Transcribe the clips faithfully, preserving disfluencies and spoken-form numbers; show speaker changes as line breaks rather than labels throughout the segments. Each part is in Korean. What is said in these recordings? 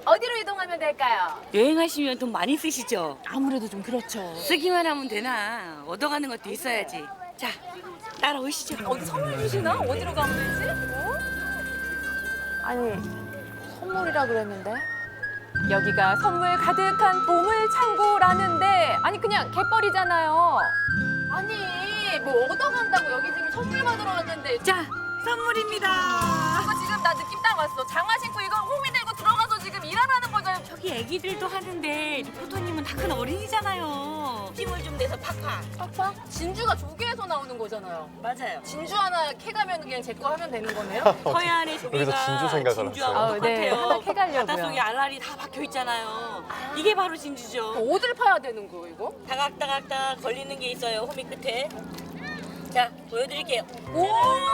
어디로 이동하면 될까요?
여행하시면 돈 많이 쓰시죠?
아무래도 좀 그렇죠.
쓰기만 하면 되나? 얻어가는 것도 있어야지. 자, 따라오시죠.
어디 선물 주시나? 어디로 가면 되지? 어? 아니, 선물이라 그랬는데? 여기가 선물 가득한 보물 창고라는데 아니 그냥 갯벌이잖아요. 아니 뭐 얻어간다고 여기 지금 선물 받으러 왔는데
자, 선물입니다.
이거 지금 나 느낌 딱 왔어. 장화 신고 이거 호미 들고 들어가서 지금 일하라는 거잖아요.
저기 애기들도 하는데 리포터님은 다 큰 어린이잖아요. 힘을 좀 내서 팍팍.
팍팍? 진주가 조개에서 나오는 거잖아요.
맞아요.
진주 하나 캐가면 그냥 제 거 하면 되는 거네요?
서해 안에
여기서
조개가
진주 생각을
진주하고
했어요. 아, 네.
똑같아요.
하나 캐가려고요.
바닷속에 알알이 다 박혀 있잖아요. 이게 바로 진주죠.
어디를 파야 되는 거예요 이거?
다각다각다각 걸리는 게 있어요. 호미 끝에. 자, 보여드릴게요.
오!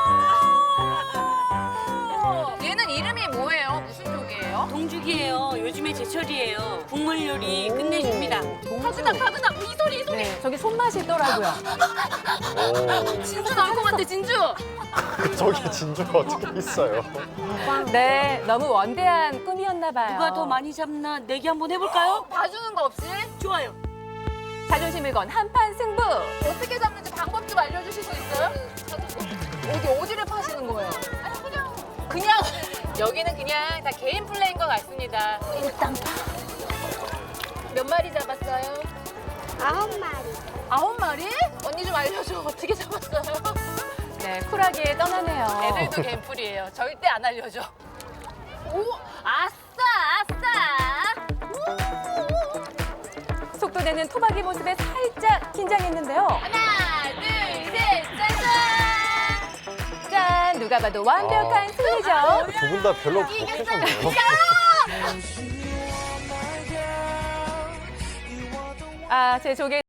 얘는 이름이 뭐예요? 무슨 조개예요?
동죽이에요. 요즘에 제철이에요. 국물 요리 끝내줍니다.
타그닥 타그닥 이 소리 이 소리.
네, 저기 손맛이 있더라고요.
진주 나올 것 같아 진주.
저기 진주가 어떻게 있어요?
네, 너무 원대한 꿈이었나 봐요.
누가 더 많이 잡나 내기 한번 해볼까요?
봐주는 거 없이
좋아요.
자존심을 건 한판 승부.
어떻게 잡는지 방법 좀 알려주실 수 있어요? 어디 어디를 파시는 거예요? 아니 그냥 그냥 여기는 그냥 다 개인 플레이인 것 같습니다. 일단 파. 몇 마리 잡았어요?
아홉 마리.
아홉 마리? 언니 좀 알려줘. 어떻게 잡았어요?
네, 쿨하게 떠나네요.
애들도 개인풀이에요. 절대 안 알려줘. 오, 아싸, 아싸.
속도 내는 토박이 모습에 살짝 긴장했는데요.
하나, 둘, 셋, 짜잔.
짠, 누가 봐도 완벽한 승리죠.
두 분 다 별로 못하셨네요.
아, 제 조개